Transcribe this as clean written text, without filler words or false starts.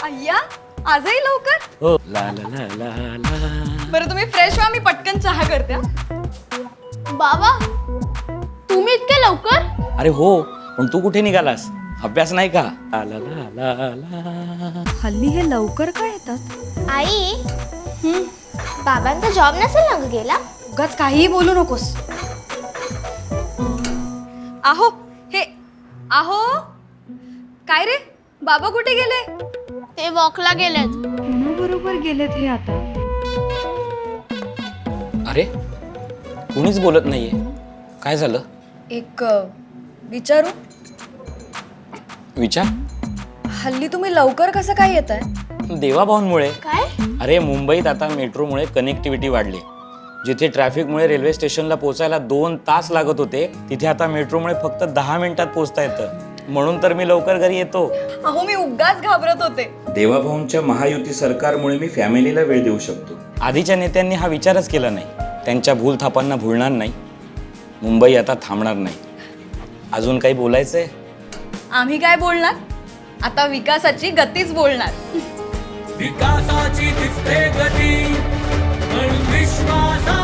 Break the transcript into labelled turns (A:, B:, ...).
A: अय्या आजही लवकर?
B: हो ला ला ला ला ला.
A: बरं तुम्ही फ्रेश व्हा, मी पटकन चहा करते.
C: बाबा तुम्ही इतके लवकर?
B: अरे हो, पण तू कुठे निघालास? अभ्यास नाही का? ला ला ला ला ला.
A: हल्ली हे लवकर का येतात?
C: आई बाबांचा जॉब नसेल ना ग गेला?
A: उगाच काहीही बोलू नकोस. आहो हे आहो काय रे, बाबा कुठे गेले?
C: ते वॉकला गेलेत.
A: बरोबर गेलेत हे आता.
B: अरे कुणीच बोलत नाहीये, काय झालं?
A: एक विचारू?
B: विचार.
A: हल्ली तुम्ही लवकर कसं काय येताय?
B: देवाभाऊंमुळे.
C: काय?
B: अरे मुंबईत आता मेट्रोमुळे कनेक्टिव्हिटी वाढली. जिथे ट्रॅफिकमुळे रेल्वे स्टेशनला पोहोचायला 2 तास लागत होते, तिथे आता मेट्रोमुळे फक्त 10 मिनिटात पोहोचता येतं. म्हणून तर मी लवकर घरी येतो.
A: अहो मी उगाच घाबरत होते.
B: देवाभाऊंच्या महायुती सरकारमुळे मी फॅमिलीला वेळ देऊ शकतो. आधीच्या नेत्यांनी हा विचारच केला नाही. त्यांच्या भूलथापांना भुलणार नाही. मुंबई आता थांबणार नाही. अजून काही बोलायचंय?
A: आम्ही काय बोलणार? आता विकासाची गतीच बोलणार.
D: विकासाची दिसते गती, पण विश्वासा